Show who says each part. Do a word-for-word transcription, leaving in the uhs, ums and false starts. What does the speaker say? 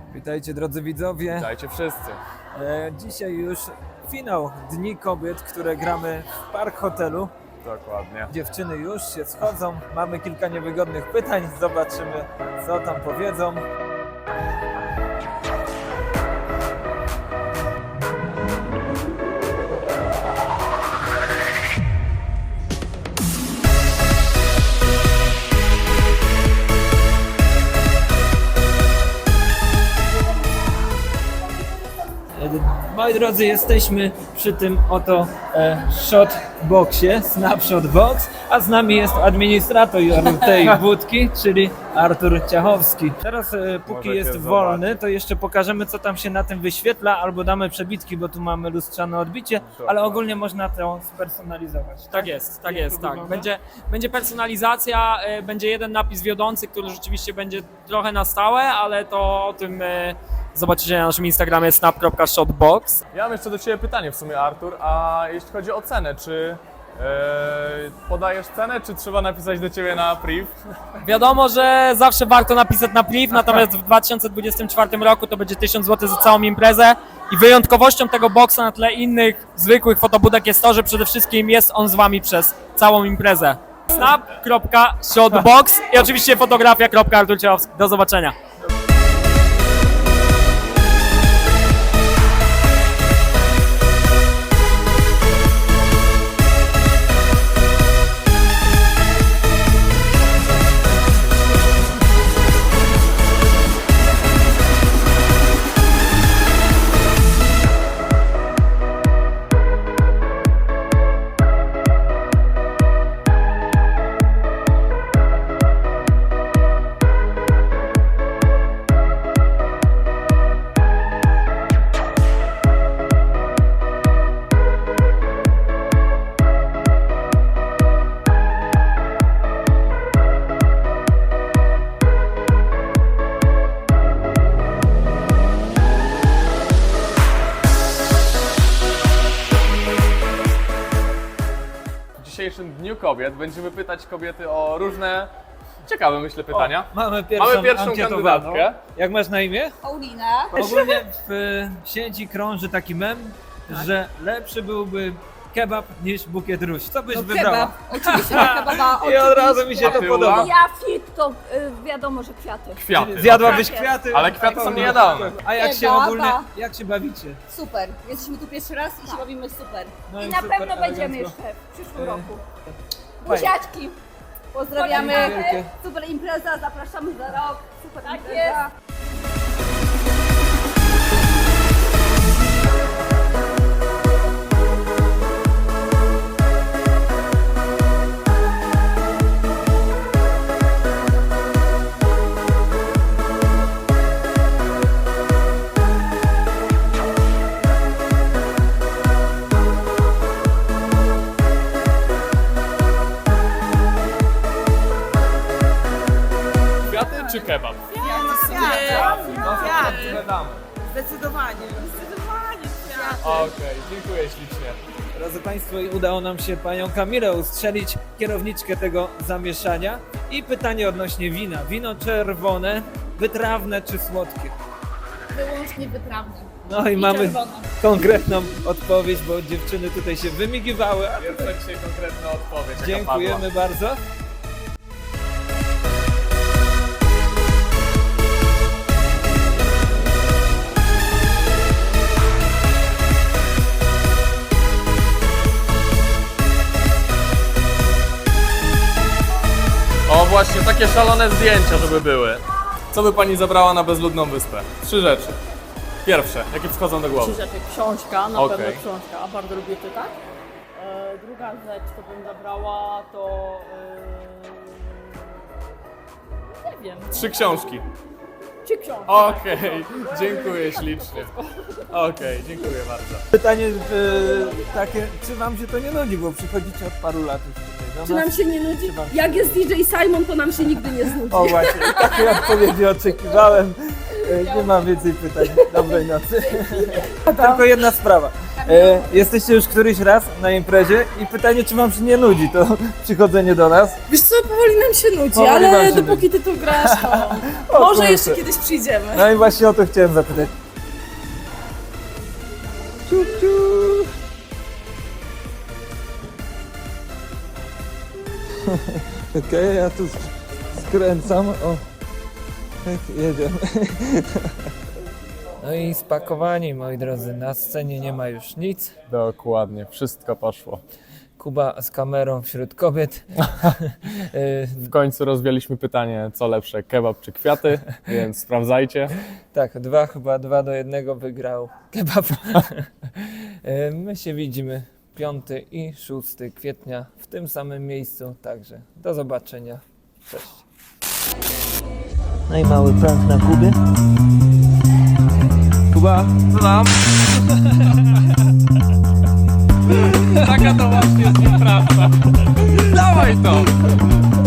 Speaker 1: Witajcie drodzy widzowie.
Speaker 2: Witajcie wszyscy.
Speaker 1: E, dzisiaj już finał Dni Kobiet, które gramy w Park Hotelu.
Speaker 2: Dokładnie.
Speaker 1: Dziewczyny już się schodzą, mamy kilka niewygodnych pytań, zobaczymy co tam powiedzą. Moi drodzy, jesteśmy przy tym oto e, shotboxie, Snapshot Box, a z nami jest administrator tej budki, czyli Artur Ciachowski. Teraz e, póki
Speaker 2: Możecie
Speaker 1: jest
Speaker 2: zobaczyć.
Speaker 1: wolny, to jeszcze pokażemy co tam się na tym wyświetla, albo damy przebitki, bo tu mamy lustrzane odbicie, ale ogólnie można to spersonalizować.
Speaker 3: Tak jest, tak
Speaker 1: Jak
Speaker 3: jest,
Speaker 1: to
Speaker 3: tak.
Speaker 1: wygląda?
Speaker 3: Będzie, będzie personalizacja, e, będzie jeden napis wiodący, który rzeczywiście będzie trochę na stałe, ale to o tym e, zobaczycie na naszym Instagramie snap kropka shotbox.
Speaker 2: Ja mam jeszcze do Ciebie pytanie w sumie, Artur, a jeśli chodzi o cenę, czy e, podajesz cenę, czy trzeba napisać do Ciebie na priv?
Speaker 3: Wiadomo, że zawsze warto napisać na priv, natomiast w dwa tysiące dwudziestym czwartym roku to będzie tysiąc złotych za całą imprezę i wyjątkowością tego boxa na tle innych zwykłych fotobudek jest to, że przede wszystkim jest on z Wami przez całą imprezę. snap kropka shotbox i oczywiście fotografia kropka artur ciachowski. Do zobaczenia.
Speaker 2: W dzisiejszym Dniu Kobiet będziemy pytać kobiety o różne ciekawe, myślę, pytania.
Speaker 1: O, mamy pierwszą,
Speaker 2: Mamy pierwszą
Speaker 1: ankietowaną.
Speaker 2: kandydatkę.
Speaker 1: Jak masz na imię?
Speaker 4: Paulina.
Speaker 1: Ogólnie w e, sieci krąży taki mem, że lepszy byłby kebab niż bukiet róż. Co byś
Speaker 4: No
Speaker 1: wybrała?
Speaker 4: kebab. Oczywiście na kebaba.
Speaker 1: I od razu mi się
Speaker 2: A
Speaker 1: to
Speaker 2: ty,
Speaker 1: podoba.
Speaker 2: Ula?
Speaker 4: Ja fit to y, wiadomo, że kwiaty.
Speaker 2: Kwiaty.
Speaker 1: Zjadłabyś
Speaker 4: okej.
Speaker 1: kwiaty?
Speaker 2: Ale kwiaty są niejadalne.
Speaker 1: A jak się
Speaker 4: Kebaba.
Speaker 1: ogólnie, jak się bawicie?
Speaker 4: Super. Jesteśmy tu pierwszy raz i się bawimy super.
Speaker 1: No
Speaker 4: I
Speaker 1: i
Speaker 4: na
Speaker 1: super,
Speaker 4: pewno będziemy
Speaker 1: elegancko.
Speaker 4: jeszcze w przyszłym roku.
Speaker 1: Fajnie.
Speaker 4: Buziaczki. Pozdrawiamy.
Speaker 1: Dzięki wielkie.
Speaker 4: Super impreza, zapraszamy za rok. Super tak impreza.
Speaker 2: Kwiaty czy kebab?
Speaker 5: Zdecydowanie. Zdecydowanie kwiaty.
Speaker 2: Okej, dziękuję ślicznie.
Speaker 1: Drodzy Państwo, udało nam się Panią Kamilę ustrzelić, kierowniczkę tego zamieszania. I pytanie odnośnie wina. Wino czerwone, wytrawne czy słodkie?
Speaker 4: Wyłącznie wytrawne.
Speaker 1: No i,
Speaker 4: I
Speaker 1: mamy
Speaker 4: czerwone.
Speaker 1: konkretną odpowiedź, bo dziewczyny tutaj się wymigiwały. A
Speaker 2: Jest to dzisiaj konkretna odpowiedź, jaka
Speaker 1: dziękujemy bardzo.
Speaker 2: padła. O właśnie, takie szalone zdjęcia, żeby były. Co by Pani zabrała na bezludną wyspę? Trzy rzeczy. Pierwsze, jakie przychodzą do głowy?
Speaker 5: Trzy rzeczy. Książka, na
Speaker 2: Okej.
Speaker 5: pewno książka, a bardzo lubię czytać. E, druga rzecz, co bym zabrała, to... E, nie wiem.
Speaker 2: Trzy książki.
Speaker 5: Trzy książki.
Speaker 2: Okej, dziękuję ślicznie. Okej, dziękuję bardzo.
Speaker 1: Pytanie e, takie, czy Wam się to nie nudzi, bo przychodzicie od paru lat już tutaj do
Speaker 6: Czy
Speaker 1: nas.
Speaker 6: nam się nie nudzi?
Speaker 1: Czy wam się
Speaker 6: Jak jest D J Simon, to nam się nigdy nie znudzi.
Speaker 1: O właśnie, takiej odpowiedzi oczekiwałem. E, Nie mam więcej pytań. Dobrej nocy. Tylko jedna sprawa. E, jesteście już któryś raz na imprezie i pytanie, czy wam się nie nudzi to przychodzenie do nas?
Speaker 6: Wiesz co, powoli nam się nudzi,
Speaker 1: Powoli wam
Speaker 6: ale
Speaker 1: się
Speaker 6: dopóki ty tu grasz, to
Speaker 1: O
Speaker 6: może
Speaker 1: kurczę.
Speaker 6: jeszcze kiedyś przyjdziemy.
Speaker 1: No i właśnie o to chciałem zapytać. Ciu, ciu. Okej, ja tu skręcam. O, jedziemy. No i spakowani, moi drodzy. Na scenie nie ma już nic.
Speaker 2: Dokładnie, wszystko poszło.
Speaker 1: Kuba z kamerą wśród kobiet. Y,
Speaker 2: W końcu rozwialiśmy pytanie, co lepsze, kebab czy kwiaty, więc sprawdzajcie.
Speaker 1: tak, dwa chyba dwa do jednego wygrał kebab. Y, My się widzimy piąty i szósty kwietnia w tym samym miejscu, także do zobaczenia. Cześć. No i mały prank na Kubie. Kuba,
Speaker 2: Co tam? Taka to właśnie jest nieprawda. Dawaj to!